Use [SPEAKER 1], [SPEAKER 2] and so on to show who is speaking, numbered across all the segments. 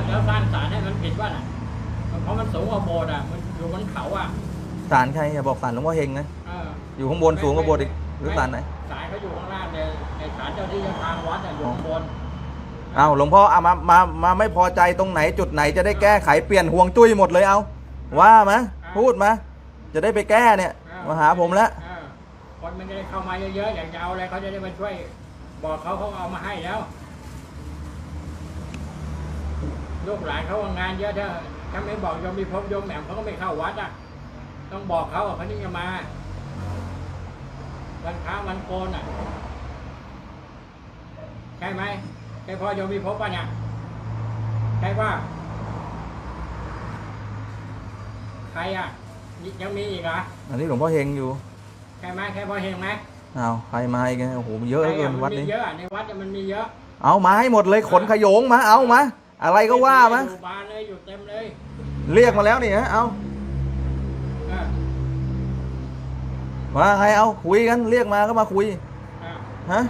[SPEAKER 1] แล้วสร้างศาลให้มันผิดว่าน่ะเพราะมันสูงกว่าโบสถ์อ่ะมันอยู่บนเขาอ่ะ
[SPEAKER 2] ศาลใครอย่าบอกศาลหลวงพ่อเฮงนะ อยู่ข้างบนสูงกว่าโบสถ์อีกหรือศาลไหน
[SPEAKER 1] ศาลเขาอยู่ข้างล่างในศาลเจ้าที่เจ้าทางวัดอ่ะอยู่ข้างบน
[SPEAKER 2] เอาหลวงพ่อเอามาไม่พอใจตรงไหนจุดไหนจะได้แก้ไขเปลี่ยนห่วงจุ้ยหมดเลยเอาว่ามาพูดมาจะได้ไปแก้เนี่ยมาหาผมแล้ว
[SPEAKER 1] คนมันจะได้เข้ามาเยอะๆอยากจะเอาอะไรเขาจะได้มาช่วยบอกเขาเอามาให้แล้วลูกหลานเขางานเยอะถ้าไม่บอกโยมมีพบโยมแหม่มเขาก็ไม่เข้าวัดอ่ะต้องบอกเขาเขาถึงจะมาวันค้าวันโกนอ่ะใช่ไหมใช่พ่อโยมมีพบป่ะเนี่ยใช่ป่ะใครอ่ะยังมีอีกเหรอ
[SPEAKER 2] อันนี้หลวงพ่อเฮงอยู่
[SPEAKER 1] ใช่ไหมใช่พ่อเฮงไหม
[SPEAKER 2] เอาใครมาอีกโอ้โหเยอะเกินวัดนี้
[SPEAKER 1] เยอะในวัดมันมีเยอะ
[SPEAKER 2] เอามาให้หมดเลยขนขโยงมาเอามาอะไรก็ว่ามา
[SPEAKER 1] อยู่บานเลยอยู่เต็มเลย
[SPEAKER 2] เรียกมาแล้วนี่ฮะเอามาใครเอาคุยกันเรียกมาก็มาคุยฮะ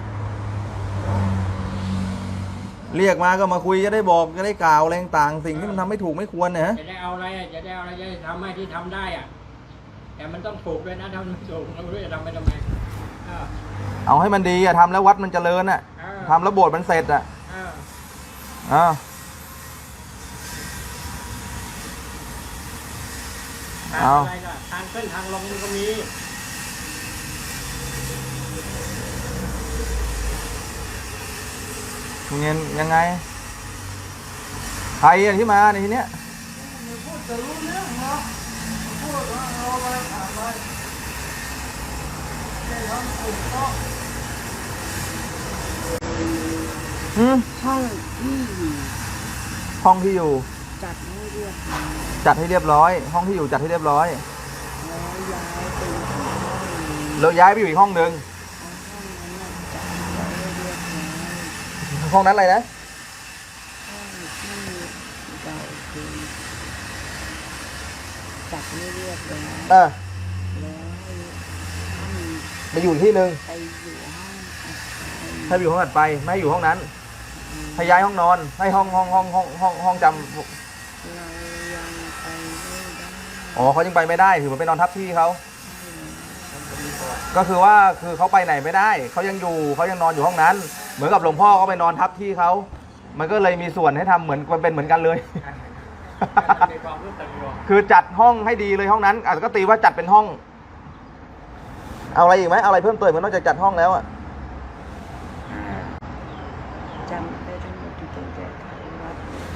[SPEAKER 2] เรียกมาก็มาคุยจะได้บอกจะได้กล่าวแรงต่างสิ่งที่มันทำไม่ถูกไม่ควรนะ
[SPEAKER 1] จะได้เอาอะไรจะได้เอาอะไรจะทำให้ที่ทำได้อ่ะแต่มันต้องถูกด้วยนะถ้ามันไม่ถูกเราไม่รู้จะทำไปทำไม
[SPEAKER 2] เอาให้มันดีอะทำแล้ววัดมันเจริญอะทำแล้วโบสถ์มันเสร็จอะ
[SPEAKER 1] อะไรล่ะทางขึ้นทางลงมันก็มี
[SPEAKER 2] เงินยังไงใครอะที่มาในทีเนี้ย
[SPEAKER 3] พูดจะรู้เรื่องเนาะพูดว่าเราอะไรถามไปได้ทำถูกต้อง
[SPEAKER 2] ห้องที่อยู่
[SPEAKER 3] จัดให้เรียบร้อย
[SPEAKER 2] จัดให้เรียบร้อยห้องที่อยู่จัดให้เรียบร้อย
[SPEAKER 3] แล้ว
[SPEAKER 2] ย้ายไปอยู่อีกห้องหนึ่งห้องนั้นอะไรนะ
[SPEAKER 3] จัดไม่เรียบร้อย
[SPEAKER 2] แล้ว
[SPEAKER 3] ไป
[SPEAKER 2] อยู่ที่หนึ่ง
[SPEAKER 3] ไปอยู่ห้อง
[SPEAKER 2] ให้อยู่ห้องถัดไปไม่ให้อยู่ห้องนั้นให้ย้ายห้องนอนให้ห้องจำอ๋อเขายังไปไม่ได้ถือว่าไปนอนทับที่เขาก็คือว่าคือเขาไปไหนไม่ได้เขายังอยู่เขายังนอนอยู่ห้องนั้นเหมือนกับหลวงพ่อเขาไปนอนทับที่เขามันก็เลยมีส่วนให้ทำเหมือนเป็นเหมือนกันเลยคือจัดห้องให้ดีเลยห้องนั้นอาจจะก็ตีว่าจัดเป็นห้องเอาอะไรอีกไหมเอาอะไรเพิ่มเติมนอกจากจัดห้องแล้วอะ
[SPEAKER 3] จำได้ทั้งหมดที่ต้องแก้ไขวัด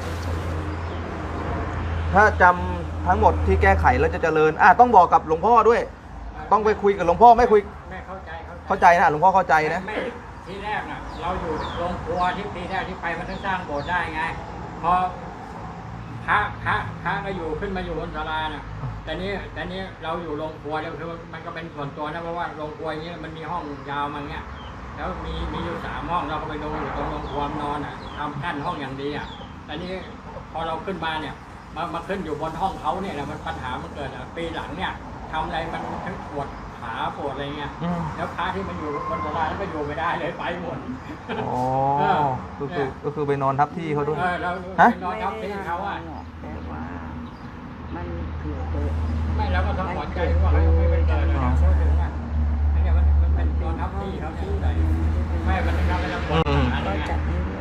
[SPEAKER 2] ถ้าจำทั้งหมดที่แก้ไขแล้วจะเจริญต้องบอกกับหลวงพ่อด้วยต้องไปคุยกับหลวงพ่อไม่คุย
[SPEAKER 1] แม่เข้า
[SPEAKER 2] ใจนะหลวงพ่อเข้าใจนะ
[SPEAKER 1] ไม่ที่แรกน่ะเราอยู่โรงครัวที่ปีแรกที่ไปมันต้องสร้างโบสถ์ได้ไงพอพระก็อยู่ขึ้นมาอยู่บนศาลาน่ะแต่นี้เราอยู่โรงครัวแล้วคือมันก็เป็นส่วนตัวนะเพราะว่าโรงครัวอย่างเงี้ยมันมีห้องยาวมาเงี้ยแล้วมีอยู่3 ห้องเราก็ไปดูอยู่ตรงโรงครัวนอนทำกั้นห้องอย่างดีแต่นี้พอเราขึ้นมาเนี่ยมาขึ้นอยู่บนห้องเขาเนี่ยมันปัญหามันเกิดปีหลังเนี่ยทำอะไรมันทั้งปวดขาปวดอะไรเงี้ยแล้วพระที่มันอยู่บนศาลาแล้วก็อยู่ไม่ได้เลยไปหมด
[SPEAKER 2] ก็คือไปนอนทับที่เขาด้วย
[SPEAKER 1] เราไปนอนทับที่เขา
[SPEAKER 3] แต่ว่ามันเกิด
[SPEAKER 1] ไม่แล้วก็ต้องขอใจว่าเขาไม่เป็นเกิดเลยเขาถึงอันนี้มันเป็นนอนทับที่เขาที่ไหนไม่มันทำให้เราปวดขาอะไรเงี้ย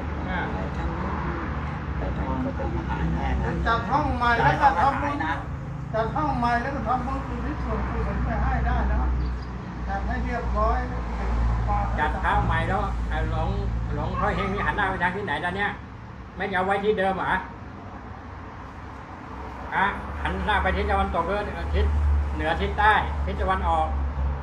[SPEAKER 3] จัดห้องใหม่แล้วก็ทำบุญจัดห้องใหม่แล้วก็ทำบุญอุทิศส่วนกุศลไปให้ได้นะจัดให้เรียบร้อย
[SPEAKER 1] จัดเท้าใหม่แล้วหลงพ่อเฮงนี่หันหน้าไปทางที่ไหนตอนเนี้ยไม่เอาไว้ที่เดิมเหรอหันหน้าไปทิศตะวันตกหรือทิศเหนือทิศใต้ทิศตะวันออก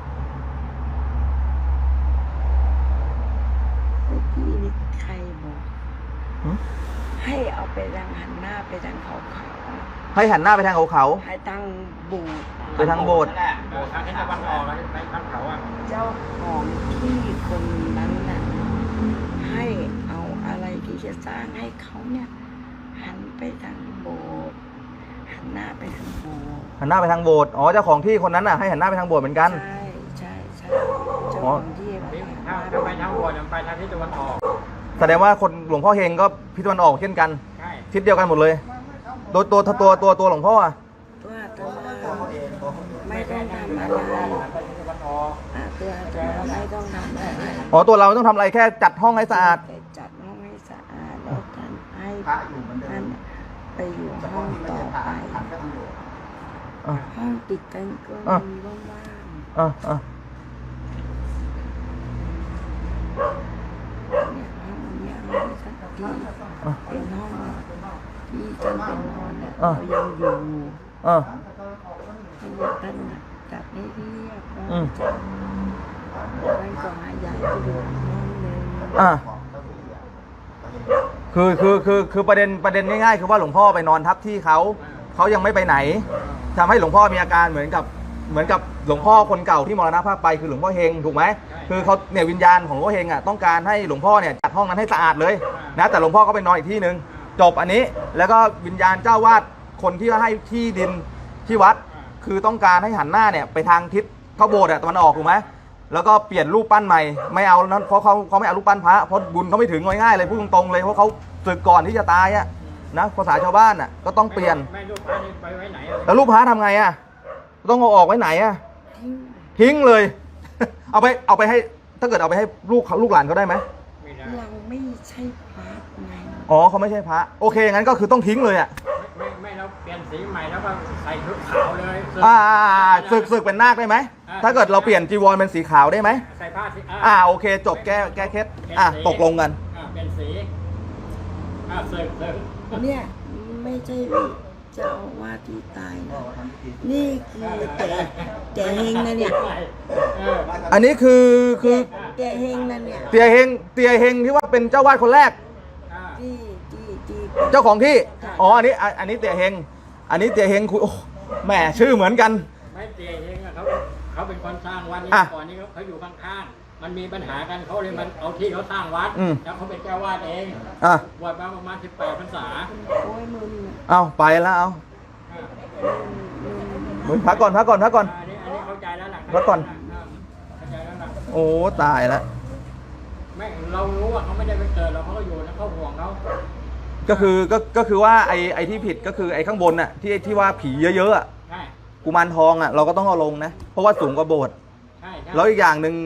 [SPEAKER 3] เมื่อกี้นี่ใครบอกให้เอาไปทางหันหน้าไปทางเขา
[SPEAKER 2] ให้หันหน้าไปทางเขา
[SPEAKER 3] ให้ทางโบสถ์
[SPEAKER 2] ไปทางโบสถ์
[SPEAKER 1] ทางทิศตะวันออกแล้วไปทางเขา
[SPEAKER 3] เจ้าของที่คนนั้นน่ะให้เอาอะไรที่จะสร้างให้เขาเนี่ยหันไปทางโบสถ์หันหน้าไปทางโบสถ์
[SPEAKER 2] หันหน้าไปทางโบสถ์เจ้าของที่คนนั้นน่ะให้หันหน้าไปทางโบสถ์เหมือนกัน
[SPEAKER 3] ใช่เจ้าของที่
[SPEAKER 1] ถ้าไปทางโบสถ์ไปทางทิศตะวันออก
[SPEAKER 2] แสดงว่าคนหลวงพ่อเฮงก็ทิศตะวันออกเช่นกัน
[SPEAKER 1] ใช่
[SPEAKER 2] ทิศเดียวกันหมดเลยตัวหลวงพ่ออะ
[SPEAKER 3] ตัวอาตมาไม่ต้องทำอะไรตัวอาตมาไม่ต้องทำอะไร
[SPEAKER 2] อ๋อตัวเราไม่ต้องทำอะไรแค่จัดห้องให้สะอาด
[SPEAKER 3] ไปจัดห้องให้สะอาดแล้วท่านให้ท่านไปอยู่ห้องต่อไป
[SPEAKER 2] อ่ะ
[SPEAKER 3] ห้องติดกันก็
[SPEAKER 2] อ่ะ
[SPEAKER 3] มีว่าง
[SPEAKER 2] อ่ะ
[SPEAKER 3] ๆเนี่ยห้องเนี้ยห้องสักทีเป็นห้องที่ท่านเป็นนอนเนี่ยเรายังอยู่
[SPEAKER 2] อ่ะ
[SPEAKER 3] ท่านบอกท่านน่ะจัดให้เรียบร้อย
[SPEAKER 2] อืม
[SPEAKER 3] จัดท่านก็ให้ย้ายไปอยู่ห้องหนึ่ง
[SPEAKER 2] อ่ะคือประเด็นง่ายๆคือว่าหลวงพ่อไปนอนทับที่เขายังไม่ไปไหนทำให้หลวงพ่อมีอาการเหมือนกับหลวงพ่อคนเก่าที่มรณภาพไปคือหลวงพ่อเฮงถูกไหมคือเขาเนี่ยวิญญาณของหลวงพ่อเฮงอ่ะต้องการให้หลวงพ่อเนี่ยจัดห้องนั้นให้สะอาดเลยนะแต่หลวงพ่อก็ไปนอนอีกที่หนึ่งจบอันนี้แล้วก็วิญญาณเจ้าวาดคนที่ให้ที่ดินที่วัด คือต้องการให้หันหน้าเนี่ยไปทางทิศเข้าโบสถ์อะตะวันออกถูกไหมแล้วก็เปลี่ยนรูปปั้นใหม่ไม่เอานั้นเพราะเขาไม่เอารูปปั้นพระเพราะบุญเขาไม่ถึงง่ายๆเลยพูดตรงๆเลยเพราะเขาศึกก่อนที่จะตายอะนะภาษาชาวบ้านอะก็ต้องเปลี่ยน
[SPEAKER 1] ไม่รูปพระนี่ไปไว้ไหนอะ
[SPEAKER 2] แล้วรูปพระทำไงอะต้องเอาออกไว้ไหนอะทิ้งเลย เอาไปให้ถ้าเกิดเอาไปให้ลูกหลานเขาได้ไหม
[SPEAKER 1] ไม่ได้
[SPEAKER 3] เราไม่ใช่พระไง
[SPEAKER 2] อ๋อเขาไม่ใช่พระโอเคงั้นก็คือต้องทิ้งเลยอะ
[SPEAKER 1] ไม่เราเปลี่ยนสีใหม่แล้วก็ใส่ชุดขาวเลย
[SPEAKER 2] ศึกเป็นนาคได้ไหมถ้าเกิดเราเปลี่ยนจีวรเป็นสีขาวได้ไหม
[SPEAKER 1] ใส่ผ้าสี
[SPEAKER 2] โอเคจบแก้เคล็ดตกลงกัน
[SPEAKER 1] เปลี่ยนสีศึก
[SPEAKER 3] เนี่ยไม่ใช่เจ้าอาว่าสที่ตายนะนี่คือแต่เฮงนะเนี่ย
[SPEAKER 2] อันนี้คือ
[SPEAKER 3] แต่เฮงนะเนี่ย
[SPEAKER 2] เตียเฮงที่ว่าเป็นเจ้าวาดคนแรก
[SPEAKER 3] ที่
[SPEAKER 2] เจ้าของที่อ๋ออันนี้เตียเฮงอันนี้เตียเฮงคุยโอ้แหมชื่อเหมือนกัน
[SPEAKER 1] ไม่เตียเองเขาเป็นคนสร้างวัดนี้ก่อนนี้เขาอยู่ข้างๆมันมีปัญหากันเขาเลยมันเอาที่เขาสร้างวัดแล้วเขาเป็นเจ้าวาดเองบวชมาประมาณ18 พรรษา
[SPEAKER 3] โอ้ยมึง
[SPEAKER 2] เอาไปแล้วเอามึงพักก่อน
[SPEAKER 1] อันนี้เข้าใจแล้วหลักเข้าใจแล้วหลัก
[SPEAKER 2] โอ้ตายแล้ว
[SPEAKER 1] ไม่เรารู้ว่าเขาไม่ได้ไปเกิดเราเขาก็อยู่นะเขาห่วงเขา
[SPEAKER 2] ก็คือว่าไอ้ที่ผิดก็คือไอ้ข้างบนน่ะที่ว่าผีเยอะๆอ่ะ
[SPEAKER 1] ใช่
[SPEAKER 2] กุมารทองอ่ะเราก็ต้องเอาลงนะเพราะว่าสูงกว่าโบสถ์
[SPEAKER 1] ใช่
[SPEAKER 2] แล้วอีกอย่างหนึ่ง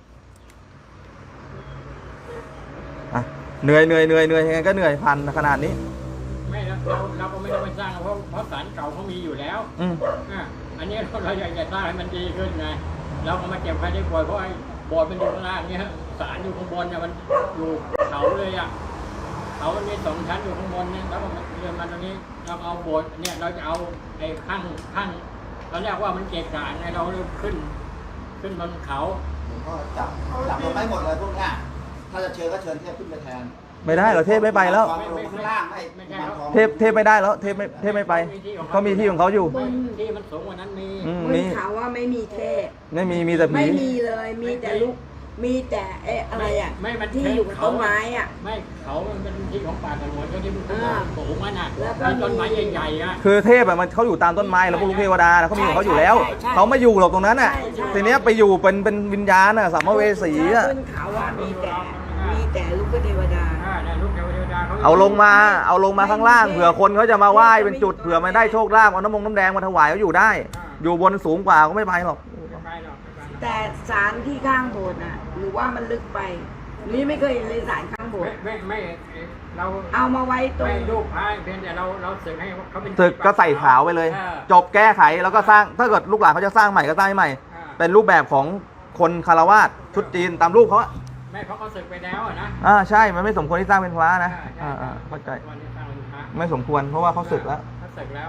[SPEAKER 2] เหนื่อยยังไงก็เหนื่อยพันขนาดนี้
[SPEAKER 1] ไม่เราก็ไม่ต้องไปสร้างเพราะศาลเก่าเขามีอยู่แล้วอันนี้เราอยากจะสร้างให้มันดีขึ้นไงเราก็มาเก็บใครได้ป่วยเพราะไอ้โบสถ์มันอยู่ข้างล่างเนี่ยศาลอยู่ข้างบนเนี่ยมันอยู่เขาเลยอ่ะเขามันมี2 ชั้นอยู่ข้างบนเนี่ยแล้วมันเดินมาตรงนี้เราเอาโบสถ์เนี่ยเราจะเอาไอ้ข้างเราเรียกว่ามันเกะกะไงเราขึ้นบนเขา
[SPEAKER 4] หลวงพ่อจับเราไม่หมดเลยพวกเนี้ยถ้าจะเชิญก็เชิญเทพขึ้นไปแทน
[SPEAKER 2] ไม่ได้เหรอเทพไม่ไปแล้ว
[SPEAKER 4] ลงข้างล่างไม่มันทอง
[SPEAKER 2] เทพไม่ได้แล้วเทพไม่ไปเขามีที่ของเขาอยู่
[SPEAKER 1] ที่มันสูงกว่านั้นมี
[SPEAKER 3] บนเขาว่าไม่มีเทพ
[SPEAKER 2] ไม่มีแต่ผี
[SPEAKER 3] ไม่มีเลยมีแต่ลูกมีแต่อะไรอ่ะ
[SPEAKER 1] ไม่มัน
[SPEAKER 3] ที่อยู่กับต้นไม้อ่ะ
[SPEAKER 1] ไม่เขามันเป็นที่ของป่าสงวนก็ที่มันสูงมันอ่ะ
[SPEAKER 3] แล้วก็
[SPEAKER 1] ต้นไม้ใหญ่ๆอ่ะ
[SPEAKER 2] คือเทพอะมันเขาอยู่ตามต้นไม้แล้วพวกลูกเทวดานะเขามีของเขาอยู่แล้ว
[SPEAKER 3] ใช่
[SPEAKER 2] เขาไม่อยู่หรอกตรงนั้นอ่ะ
[SPEAKER 3] ใช่
[SPEAKER 2] ทีเนี้ยไปอยู่เป็นวิญญาณอะสัมภเวสีอะ
[SPEAKER 3] ขึ้นเขาว่ามีแต่ลูกเทวดา
[SPEAKER 1] เนี่ยลูกเทวดาเขา
[SPEAKER 2] เอาลงมาข้างล่างเผื่อคนเขาจะมาไหว้เป็นจุดเผื่อมันได้โชคลาภเอาน้ำแดงมาถวายเขาอยู่ได้ อยู่บนสูงกว่าก็ไม่ไปหรอก
[SPEAKER 1] ไม่ไปหรอกไม่ไป
[SPEAKER 3] แต่ศาลที่ข้างโบสถ์น่ะหรือว่ามันลึกไปหรือไม่เคยเห็นเลยศาลข้างโบสถ์
[SPEAKER 1] ไม่เรา
[SPEAKER 3] เอามาไว้ตรง
[SPEAKER 1] ไม่รูปพระเพียงแต่เราสึกให้เขาเป็น
[SPEAKER 2] ศึกก็ใส่ขาวไปเลย จบแก้ไขแล้วก็สร้างถ้าเกิดลูกหลานเขาจะสร้างใหม่ก็สร้างให้ใหม่ เป็นรูปแบบของคนคารวาสชุดจีนตามรูปเขาอะ
[SPEAKER 1] ไม่เพราะเขาสึกไปแล้วนะ
[SPEAKER 2] ใช่มันไม่สมควรที่สร้างเป็นพระนะเข้าใจ
[SPEAKER 1] วันนี้สร้างเป็นพระ
[SPEAKER 2] ไม่สมควรเพราะว่าเขาศึกแล้ว
[SPEAKER 1] เขาสึกแล้ว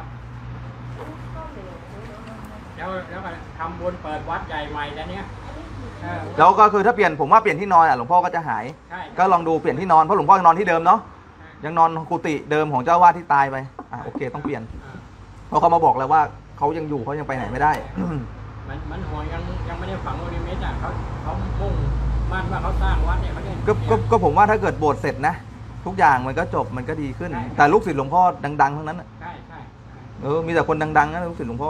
[SPEAKER 1] ก็ทำบุญเปิดวัดใหญ่ใหม่แล้วเนี้ย
[SPEAKER 2] แล้วก็คือถ้าเปลี่ยนผมว่าเปลี่ยนที่นอนหลวงพ่อก็จะหาย
[SPEAKER 1] ใช่
[SPEAKER 2] ก็ลองดูเปลี่ยนที่นอนเพราะหลวงพ่อยังนอนที่เดิมเนาะยังนอนกุฏิเดิมของเจ้าวาดที่ตายไปโอเคต้องเปลี่ยนเพราะเขามาบอกแล้วว่าเขายังอยู่เขายังไปไหนไม่ได้
[SPEAKER 1] มันห่วงยังไม่ได้ฝังโอลิมิตอ่ะเขามุ่งมั่นว่าเขาสร้างวัดเนี่ยเขาเนี่ย
[SPEAKER 2] ก็ผมว่าถ้าเกิดโบสถ์เสร็จนะทุกอย่างมันก็จบมันก็ดีขึ้น แต่ลูกศิษย์หลวงพ่อดังๆทั้งนั้น
[SPEAKER 1] ใช่
[SPEAKER 2] มีแต่คนดังๆนะลูกศิษย์หลวงพ่อ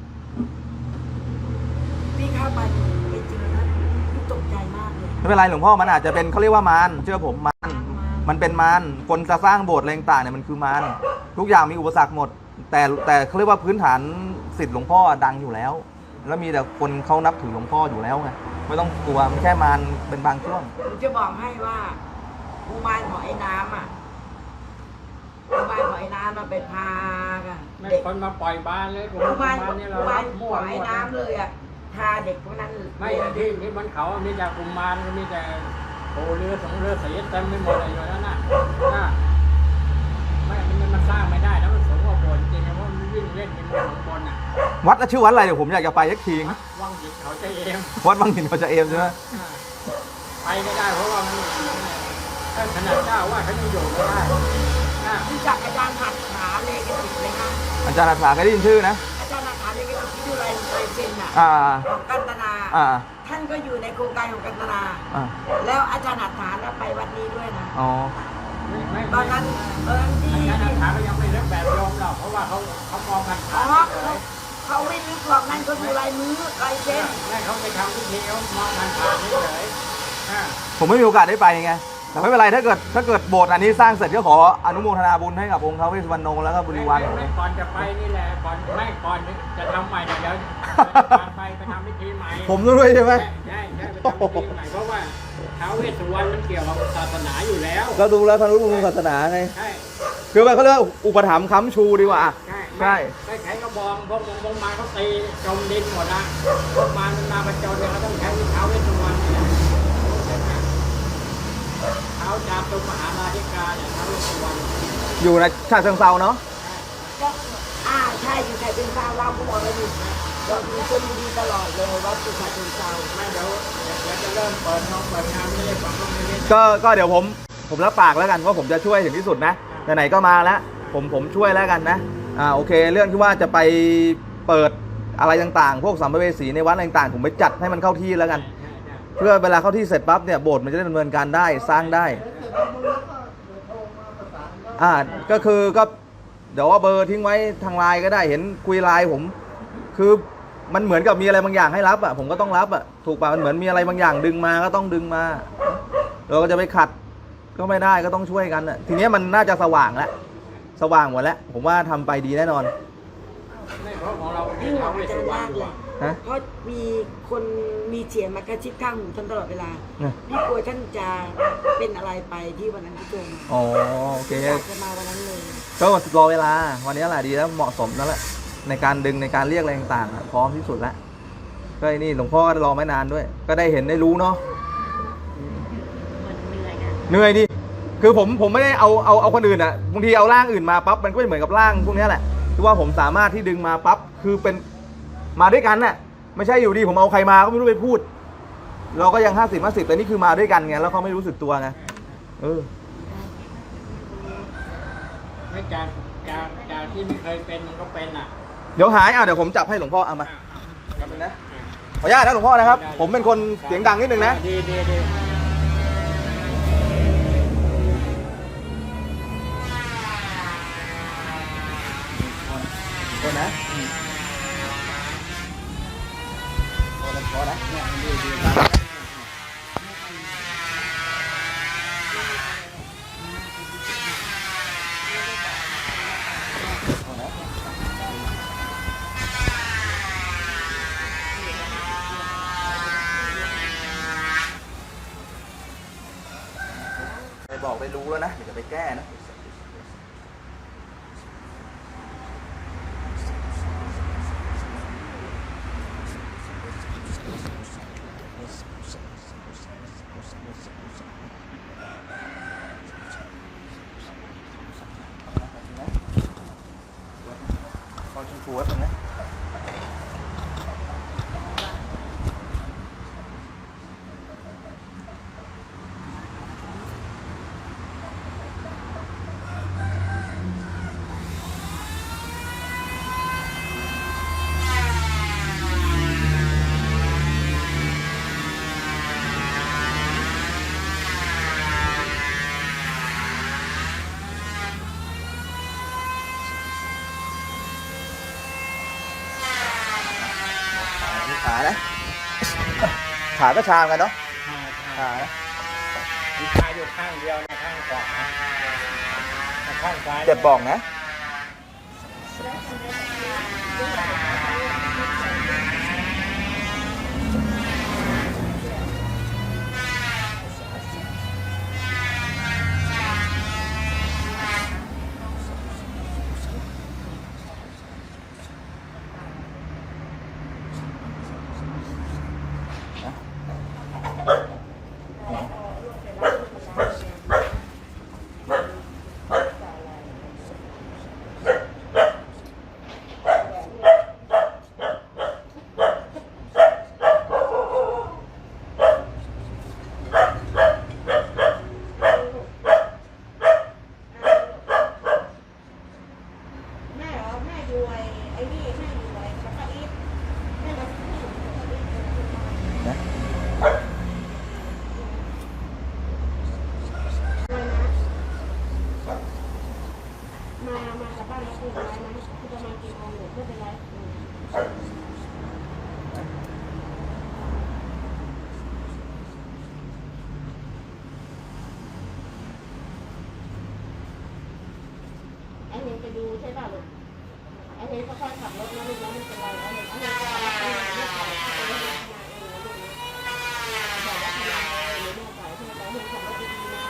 [SPEAKER 3] ที่เข้าไปไปเจอนะตกใจมากเลย
[SPEAKER 2] ไม่เป็นไรหลวงพ่อมันอาจจะเป็นเขาเรียกว่ามารเชื่อผมมันเป็นมารคนจะสร้างโบสถ์อะไรต่างๆเนี่ยมันคือมารทุกอย่างมีอุปสรรคหมด แต่เขาเรียกว่าพื้นฐานศิษย์หลวงพ่อดังอยู่แล้ว แล้วมีแต่คนเขานับถือหลวงพ่ออยู่แล้วไงไม่ต้องกลัวมันแค่มารเป็นบางช่วง
[SPEAKER 3] ผมจะบอกให้ว่ากุมารของไอ้น้ำอ่ะกุมารของไอ้น้ำมันไปพากัน
[SPEAKER 1] ไม่
[SPEAKER 3] เด็ก
[SPEAKER 1] คนมาปล่อยบ้านเลย
[SPEAKER 3] กุมาร
[SPEAKER 1] นี่
[SPEAKER 3] กุ
[SPEAKER 1] เรา
[SPEAKER 3] มา
[SPEAKER 1] รั
[SPEAKER 3] ร
[SPEAKER 1] บ
[SPEAKER 3] ข
[SPEAKER 1] มั่ว
[SPEAKER 3] องไอ้
[SPEAKER 1] หมด
[SPEAKER 3] น้ำเลยอ่ะพาเด็กพวกนั้น
[SPEAKER 1] ไม่ที่บนเขามีแต่กุมารมีแต่โอ้เรือสองเรือสีเต็มไปหมดเลยอยู่นั่นน่ะไม่มันสร้างไม่ได้แล้วมันสูงกว่าโบสถ์จริงๆเพราะมันวิ่งเล่นกันบนบนอ่ะ
[SPEAKER 2] วัดชื่อวัดอะไรเดี๋ยวผมอยากจะไปสักที
[SPEAKER 1] ว่างหยิบเขาใจเอง
[SPEAKER 2] วัดบางหินเขาจะเอมใช่ไหม
[SPEAKER 1] ไปไม่ได้เพราะว่ามันท่านขนาดเจ้าว่าเขายังอยู่ไม่ได้
[SPEAKER 3] รู้จักอาจารย์หัตถาเลกติกไหมคะ
[SPEAKER 2] อาจารย์อาสาเคยได้ยินชื่อนะ
[SPEAKER 3] อาจารย์หัตถาเลกติกที่ดูลายเซ็นอ่ะ
[SPEAKER 2] อ่า
[SPEAKER 3] ของกันตนา
[SPEAKER 2] อ่า
[SPEAKER 3] ท่านก็อยู่ในโครงการของกันตนา
[SPEAKER 2] อ่า
[SPEAKER 3] แล้วอาจารย์หัตถาเนี่ยไปวัดนี้ด้วยนะ
[SPEAKER 2] อ๋อ
[SPEAKER 1] ไม่
[SPEAKER 3] ตอนนั้นที่
[SPEAKER 1] อาจารย์ถามก็ยังไม่เลิกแบบโยมหรอกเพราะว่าเขามองกัน
[SPEAKER 3] อ๋
[SPEAKER 1] ขา
[SPEAKER 3] อ
[SPEAKER 1] ดเลย
[SPEAKER 3] เขาไม่รู้หรอกนั่นเขาดูลายมือลายเซ็น
[SPEAKER 1] แม่เขาไปทำพิธีเขามองกันขาดเฉย
[SPEAKER 2] ผมไม่มีโอกาสได้ไปไง แต่ไม่เป็นไรถ้าเกิดโบสถ์อันนี้สร้างเสร็จก็ขออนุโมทนาบุญให้กับองค์ท้าวเวสสุวรรณแล้วก็บริวาร
[SPEAKER 1] ไม่ก่อนจะไปนี่แหละก่อนจะทำใหม่เดี๋ยวไปทำพิธีใหม่
[SPEAKER 2] ผมด้วยใช่ไหม
[SPEAKER 1] ใช่ไปทำพิธีใหม่เพราะว่าท้าวเวสสุวรรณมันเกี่ยวกับศาสนาอยู่แล้ว
[SPEAKER 2] ก็ดูแล้วทางรู้มุมศาสนาไง
[SPEAKER 1] ใช่
[SPEAKER 2] คือว่าเขาเรียกว่าอุปถัมภ์ค้ำชูดีกว่า
[SPEAKER 1] ใช่ไม่ใช้กระบองพวกมาเขาตีจมดินหมดละพวกมันมาประจนเนี่ยเขาต้องใช้ท้าวเวสสุวรรณเนี่ยเท้าจามตุมหาราธิกาเนี่ยท้าวเวสสุวรรณ
[SPEAKER 2] อยู่ในฉะเชิงเซาเนาะ
[SPEAKER 3] ก็ใช่อยู่ใครเป็นเจ้าเราก็บอกแล้วอยู่เราเป็นคนดีตลอดเลยวัดสุขะเป็นเจ้า
[SPEAKER 1] ไม่เดี๋ยวจะเริ่มเปิดงานไม่ได้ฟังไม่ได้
[SPEAKER 2] ก็เดี๋ยวผมรับปากแล้วกันว่าผมจะช่วยถึงที่สุดนะไหนๆก็มาแล้วผมช่วยแล้วกันนะโอเค เรื่องที่ว่าจะไปเปิดอะไรต่างๆ พวกสัมภเวสีในวัดอะไรต่างๆผมไปจัดให้มันเข้าที่แล้วกัน เพื่อเวลาเข้าที่เสร็จปั๊บเนี่ยโบสถ์มันจะได้ดำเนินการได้สร้างได้ก็คือก็เดี๋ยวว่าเบอร์ทิ้งไว้ทางไลน์ก็ได้เห็นคุยไลน์ผมคือมันเหมือนกับมีอะไรบางอย่างให้รับผมก็ต้องรับถูกป่ะมันเหมือนมีอะไรบางอย่างดึงมาก็ต้องดึงมาเราก็จะไปขัดก็ไม่ได้ก็ต้องช่วยกันทีนี้มันน่าจะสว่างแล้วสว่างหมดแล้วผมว่าทำไปดีแน่นอน
[SPEAKER 1] ไม่เพราะของเรา
[SPEAKER 3] นี่
[SPEAKER 1] ท้าวเวส
[SPEAKER 3] จะ
[SPEAKER 1] สุวรร
[SPEAKER 3] ยา
[SPEAKER 1] ณ
[SPEAKER 3] ก
[SPEAKER 1] อยู่
[SPEAKER 3] เลย
[SPEAKER 2] ฮะ
[SPEAKER 3] เพราะมีคนมีเสียงมากระชิบข้างหูท่านตลอดเวลา
[SPEAKER 2] เนี่ย
[SPEAKER 3] พี่กลัวท่านจะเป็นอะไรไปที่วันนั้นที่เจอมา
[SPEAKER 2] อ๋อโอเค
[SPEAKER 3] อยากจะมาวันนั้นเลย
[SPEAKER 2] ก็รอเวลาวันนี้แหละดีแล้วเหมาะสมนั่นแหละในการดึงในการเรียกอะไรต่างๆพร้อมที่สุดแล้วก็ไอ้นี่หลวงพ่อก็รอไม่นานด้วย ก็ได้เห็นได้รู้เนาะ
[SPEAKER 3] มันเหนื่อยไง
[SPEAKER 2] เหนื่อยดิคือผมไม่ได้เอาคนอื่นบางทีเอาร่างอื่นมาปั๊บมันก็ไม่เหมือนกับร่างพวกนี้แหละที่ว่าผมสามารถที่ดึงมาปั๊บคือเป็นมาด้วยกันน่ะไม่ใช่อยู่ดีผมเอาใครมาก็ไม่รู้ไปพูด เราก็ยัง50-50แต่นี่คือมาด้วยกันไงแล้วเขาไม่รู้สึกตัวไง
[SPEAKER 1] ไม่จากที่ไม่เคยเป็นมันก็เป็น
[SPEAKER 2] เดี๋ยวหายเดี๋ยวผมจับให้หลวงพ่อเอามาขออนุญาตนะหลวงพ่อนะครับ ผมเป็นคนเสียงดังนิดนึงนะ
[SPEAKER 1] ดี
[SPEAKER 2] คนนะพอนะไปบอกไปรู้แล้วนะเดี๋ยวจะไปแก้นะพอชมพูไว้ตรงนี้ขานะขาก็ชามกันเนาะขานะ
[SPEAKER 1] มีชายอยู่ข้างเดียวในข้างขวาข้างซ้าย
[SPEAKER 2] เจ็บบอกนะ
[SPEAKER 5] แม่เหรอแม่ดูไอ้นี่แม่ดูแล้วก็อีฟแม่มาที่นี่แล้วก็อีฟ มากับบ้านแล้วคุยกันไว้นะคือประมาณกี่โมงหนูไม่เป็นไรไอ้เฮงไปดูใช่ป่ะลูกไอ้เฮงก็ค่อยขับรถนะลูกนะไม่เป็นไรไอ้เฮงก็รับงานไม่ปล่อยให้เฮงทำงานเองนะลูกนะบอกว่าทำงานเองหรือแม่ปล่อยให้แล้วเฮงขับรถดีๆนะ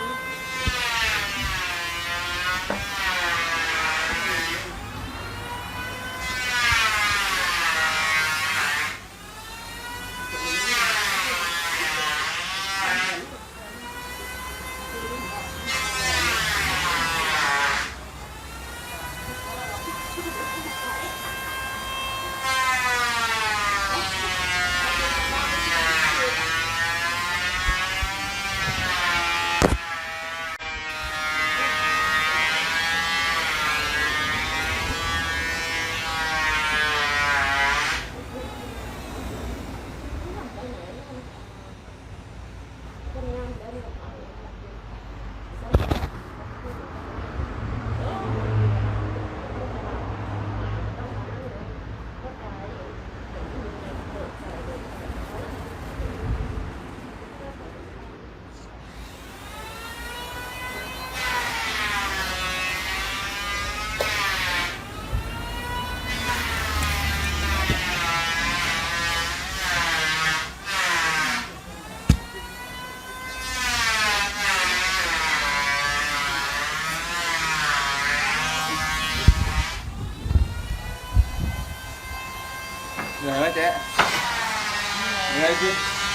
[SPEAKER 2] เหนื่อยไหมเจ๊เหนื่อยจริง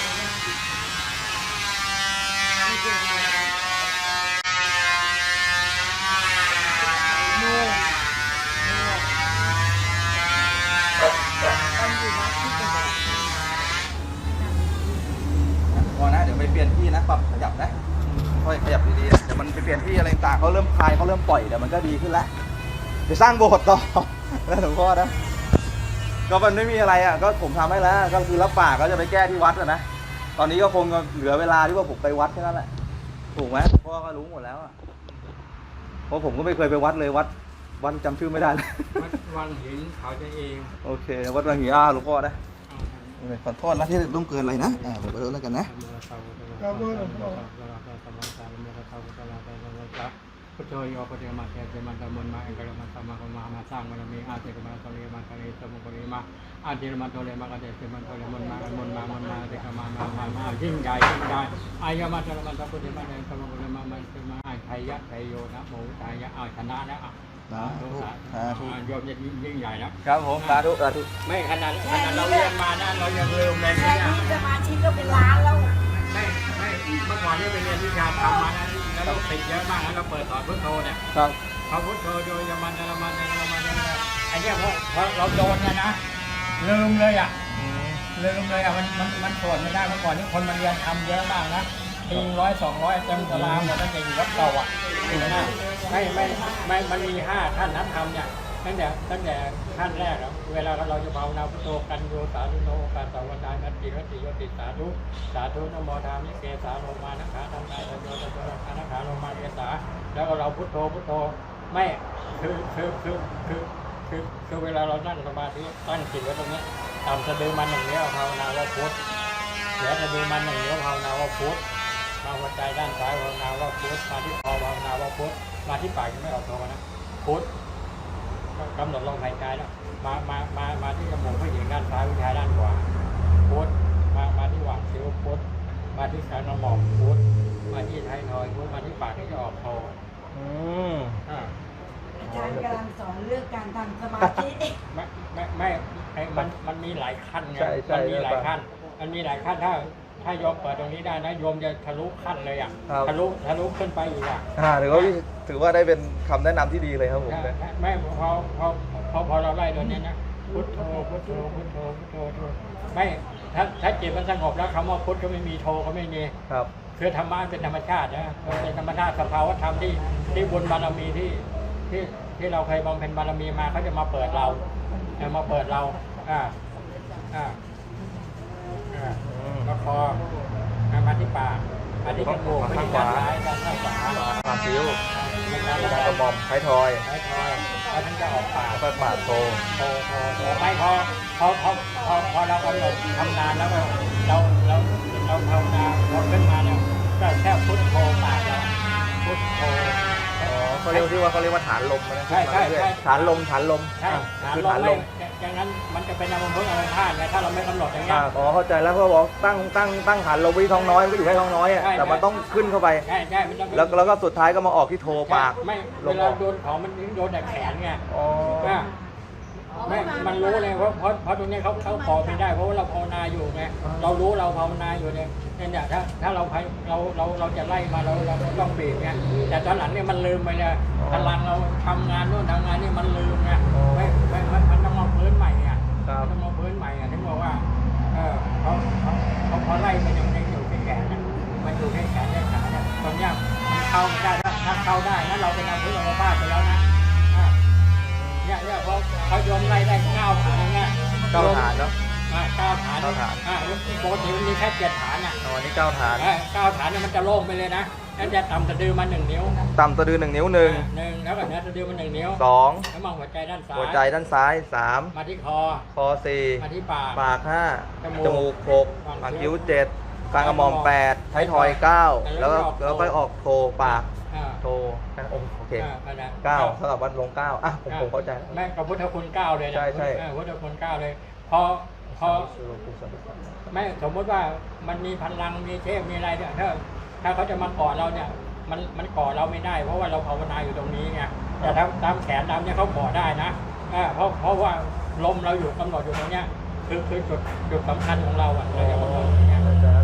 [SPEAKER 2] พอนะเดี๋ยวไปเปลี่ยนที่นะปรับขยับนะค่อยขยับดีๆเดี๋ยวมันไปเปลี่ยนที่อะไรต่างเขาเริ่มคลายเขาเริ่มปล่อยเดี๋ยวมันก็ดีขึ้นแล้วไปสร้างโบสถ์ต่อแล้วหลวงพ่อนะก็มันไม่มีอะไรอ่ะก็ผมทำให้แล้วก็คือรับปากก็จะไปแก้ที่วัดนะตอนนี้ก็คงเหลือเวลาที่ว่าผมไปวัดแค่นั้นแหละถูกไหมพ่อก็รู้หมดแล้วอ่ะเพราะผมก็ไม่เคยไปวัดเลยวัดจำชื่อไม่ได้เลย
[SPEAKER 1] วังหินเขาจะเอง
[SPEAKER 2] โอเควัดวังหินหลวงพ่อนะขอโทษนะที่ต้องเกินอะไรนะผมขอโทษแล้วกันนะ
[SPEAKER 1] พุทโธโยปฏิมาเทเตมันตะมนมาเอกรมันตมาของมาสร้างบารมีอาเทกมาตะเลมาตะเลสมุปริมาอาเทมันตะเลมากะเตมันตะเลมนมาเทกมายิ่งใหญ่อายมาตะเลมันตะพุทธิมาเตสมุปริมามันเป็นมาไทยะไทยโยนะโมตายะชนะแล้วโยมจะยิ่งใหญ่นะครับ
[SPEAKER 2] ผมสาธุสาธุ
[SPEAKER 1] ไม่ขนาดเราเรียนมานะเรายังลืมเลย
[SPEAKER 3] แค่นี้สมาชิกก็เป็นล้านแล้ว
[SPEAKER 1] ไม่เมื่อก่อนที่ไปเรียนวิชาธรรมมานะแล้วเราติดเยอะมากแล้วเราเปิดสอนพุทโธเนี่ย
[SPEAKER 2] ครับ
[SPEAKER 1] พอพุทโธโดยมันไอ้เนี่ยพอเราโดนเนี่ยนะลืมเลยอ่ะมันสวดไม่ได้เมื่อก่อนนี่คนมาเรียนทำเยอะมากนะที100-200เต็มตารางหมดตั้งแต่อยู่วัดเก่าอ่ะไม่มันมี5ท่านนักธรรมเนี่ยตั้งแต่ขั้นแรกแล้วเวลาเราจะภาวนาพุทโธกันโยสาธุโนกาสาวนานัตติรติโยติสาธุนโมทามิเกสาโลมานะขาธรรมายโยตโยนะขาโลมาเกสาแล้วก็เราพุทโธไม่คือเวลาเรานั่งสมาธิตั้งจิตไว้ตรงนี้ต่ำสะดือมันอย่างนี้ภาวนาว่าพุทเหนือสะดือมันอย่างนี้ภาวนาว่าพุทมาหัวใจด้านซ้ายภาวนาว่าพุทมาที่คอภาวนาว่าพุทธมาที่ปากยังไม่ออกโทนะพุทธกำหนดลมหายใจแล้วมาที่จมูกผู้หญิงด้านซ้ายผู้ชายด้านขวาพุทธมาที่หว่างคิ้วพุทธมาที่กลางกระหม่อมพุทธมาที่ท้ายทอยพุทธมาที่ปากที่จะออกโท อ่า
[SPEAKER 3] อาจารย์กำลังสอนเรื่องการทำสมาธิ
[SPEAKER 1] ไม่ไอ้มันมีหลายขั้นไง
[SPEAKER 2] ใช่
[SPEAKER 1] มันมีหลายขั้นถ้าโยมเปิดตรงนี้ได้นะโยมจะทะลุขั้นเลยอ่ะ
[SPEAKER 2] ครับ
[SPEAKER 1] ทะลุขึ้นไปอีกอ่ะ
[SPEAKER 2] ถือว่าได้เป็นคำแนะนำที่ดีเลยครับผม
[SPEAKER 1] ไม่พอเราไล่ตัวนี้นะพุทโธพุทโธพุทโธพุทโธพุทโธไม่ถ้าจิตมันสงบแล้วคำว่าพุทก็ไม่มีโธก็ไม่มี
[SPEAKER 2] ครับ
[SPEAKER 1] คือธรรมะเป็นธรรมชาตินะมันเป็นธรรมชาติสภาวะธรรมที่บุญบารมีที่เราเคยบำเพ็ญบารมีมาเขาจะมาเปิดเรามาเปิดเราแล้วพอมาที่ปากมาที่จมูกมาที่ด้านซ้ายด้านขวา
[SPEAKER 2] ปากคิ้ว
[SPEAKER 1] แล้ว
[SPEAKER 2] กลางกระหม่อมท้ายทอย
[SPEAKER 1] แล้วท่านจะออกปาก
[SPEAKER 2] แล้วก็ปากโต
[SPEAKER 1] โตไม่พอเรากำหนดทำนานแล้วเราภาวนาพอขึ้นมาเนี่ยก็แค่พุทโธปากเราพุทโธ
[SPEAKER 2] เขาเรียกว่าฐานลมนะ
[SPEAKER 1] ใช่
[SPEAKER 2] ฐานลม
[SPEAKER 1] ใช่
[SPEAKER 2] คือฐานลม
[SPEAKER 1] อย่างนั้นมันจะเป็นอารมณ์พุทธอารมณ์ธาตุไงถ้าเราไม่กำหนดอย่างเงี้ย
[SPEAKER 2] เข้าใจแล้วเขาบอกตั้งฐานลมไว้ที่ท้องน้อยมันก็อยู่แค่ท้องน้อยอ่ะ
[SPEAKER 1] ใช่
[SPEAKER 2] แต่มันต้องขึ้นเข้าไป
[SPEAKER 1] ใช่มันต้อง
[SPEAKER 2] แล้วก็สุดท้ายก็มาออกที่โทปาก
[SPEAKER 1] ไม่
[SPEAKER 2] ล
[SPEAKER 1] เว
[SPEAKER 2] มอ
[SPEAKER 1] ลา
[SPEAKER 2] อก
[SPEAKER 1] โดนของมันโดนแต่แขนไง
[SPEAKER 2] อ๋อ
[SPEAKER 1] ไม่มันรู้เลยเพราะตรงนี้เขาขอไม่ได้เพราะว่าเราภาวนาอยู่ไงเรารู้เราภาวนาอยู่เนี่ยถ้าเราจะไล่มาเราต้องเบรกไงแต่ตอนหลังเนี่ยมันลืมไปเลยพลังเราทำงานนู่นทำงานนี่มันลืมไงมันต้องมาพื้นใหม่ไงต้องมาพื้นใหม่ถึงบอกว่าเขาไล่มันยังอยู่ที่แขนมันอยู่ที่แขนที่ขาเนี่ยตรงเนี้ยมันเข้าไม่ได้ถ้าเข้าได้นั้นเราเป็นอาวุธอัมพาตไปแล้วนะเนี่ยเขาโยมไล่ได้9 ฐานเนี่ย
[SPEAKER 2] 9 ฐานเนาะ
[SPEAKER 1] 9 ฐาน
[SPEAKER 2] 9 ฐาน
[SPEAKER 1] ปกติมันมีแค่7 ฐานอ่ะ
[SPEAKER 2] อันนี้9 ฐาน
[SPEAKER 1] 9 ฐานเนี่ยมันจะโล่งไปเลยนะนั่นจะต่ำสะดือมา1 นิ้ว
[SPEAKER 2] ต่ำสะดือ1 นิ้ว
[SPEAKER 1] หนึ่งแล้วแบบนี้สะดือมัน1 นิ้ว
[SPEAKER 2] 2
[SPEAKER 1] แล้วมองหัวใจด้านซ้าย
[SPEAKER 2] หัวใจด้านซ้าย
[SPEAKER 1] มาที่คอ
[SPEAKER 2] 3 คอ
[SPEAKER 1] มาที่ปาก
[SPEAKER 2] 4 ปาก 5
[SPEAKER 1] จ
[SPEAKER 2] จ
[SPEAKER 1] มู
[SPEAKER 2] มู
[SPEAKER 1] ก
[SPEAKER 2] ก 6 ปากคิ้ว 7 กลางกระหม่อม 8 ท้ายทอย 9 แล้วก็ออกโทปาก โทโอเค 9 เท่ากับวัดลง 9 อ่ะผมเข้าใจ
[SPEAKER 1] แม่กับพุทธคุณ9เลยนะ
[SPEAKER 2] ใช่
[SPEAKER 1] พุทธคุณ9เลยพอไม่สมมติว่ามันมีพลังมีเทพมีอะไรเนี่ยถ้าเขาจะมาก่อเราเนี่ยมันก่อเราไม่ได้เพราะว่าเราภาวนาอยู่ตรงนี้ไงแต่ถ้าตามแขนตามเนี่ยเขาก่อได้นะเพราะว่าลมเราอยู่กำหนดอยู่ตรงเนี้ยคือจุดสำคัญของเราอ่ะเราจะกำหนดอย่างเงี้ย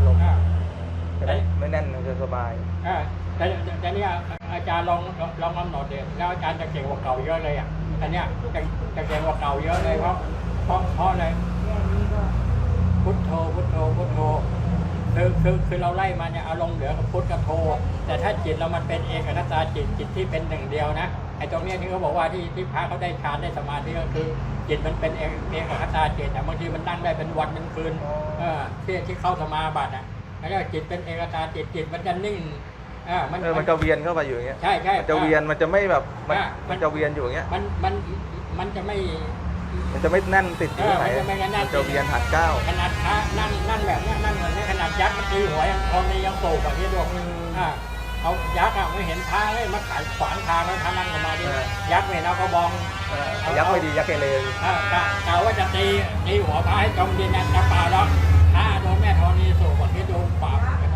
[SPEAKER 2] ไม่แน่นจะสบาย
[SPEAKER 1] แต่เนี่ยอาจารย์ลองกำหนดเดี๋ยวแล้วอาจารย์จะเก่งกว่าเก่าเยอะเลยอ่ะอันเนี้ยจะเก่งกว่าเก่าเยอะเลยเพราะอะไรพุทโธพุทโธพุทโธคือเราไล่มาเนี่ยอารมณ์เหลือกับพุทธกับโธแต่ถ้าจิตเรามันเป็นเอกคตาจิตที่เป็นหนึ่งเดียวนะไอ้ตรงเนี้ยที่เขาบอกว่าที่พระเขาได้ฌานได้สมาธิก็คือจิตมันเป็นเอกคตาจิตแต่บางทีมันนั่งได้เป็นวันเป็นคืนที่เข้าสมาบัติอ่ะแล้วจิตเป็นเอกคตาจิตมันจะนิ่ง
[SPEAKER 2] มันจะเวียนเข้าไปอยู่อย่างเงี้ย
[SPEAKER 1] ใช่มัน
[SPEAKER 2] จะเวียนมันจะไม่แบบมันจะเวียนอยู่อย่างเงี้ย
[SPEAKER 1] มันจะไม่
[SPEAKER 2] มันจะไม่แน่นติดอยู่ไหนมันจะเวียนหัดก้าว
[SPEAKER 1] ขนาดพระนั่งแบบนี้นั่งเหมือนนี้ขนาดยักษ์มันตีหัวยังคนนี้ยังโศกแบบนี้ด้วยเขายักษ์ไม่เห็นพระเลยมาขายขวางทางแล้วพระนั่งออกมาดิยักษ์เนี่ยเราก็บอง
[SPEAKER 2] ยักษ์ไม่ดียักษ์เกเร
[SPEAKER 1] กล่าวว่าจะตีหัวพระให้จมดินนะจะเปล่าแล้วพระโดนแม่ธรณีโศกแบบนี้โดนปราบ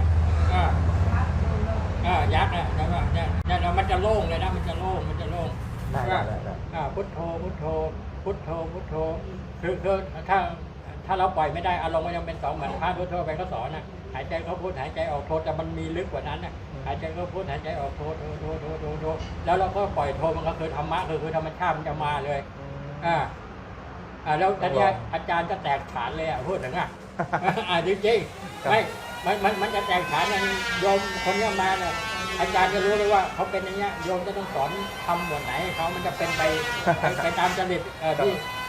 [SPEAKER 1] ยักษ์เนี่ยมันจะโล่งเลยนะมันจะโล่งพุทโธพุทโธพุทโธพุทโธคือถ้าเราปล่อยไม่ได้อารมณ์มันยังเป็น2เหมือนพระทั่วไปเขาสอนนะหายใจเข้าพุทหายใจออกโทแต่มันมีลึกกว่านั้นนะหายใจเข้าพุทหายใจออกโทแล้วเราก็ปล่อยโทมันก็คือธรรมะคือธรรมชาติมันจะมาเลยแล้วตอนนี้อาจารย์จะแตกฐานเลยพูดถึงจริงๆไม่มันจะแตกฐานอย่างโยมคนนี้มาเนี่ยอาจารย์จะรู้เลยว่าเขาเป็นอย่างเงี้ยโยมจะต้องสอนทำหมวดไหนเขามันจะเป็นไปตามจริต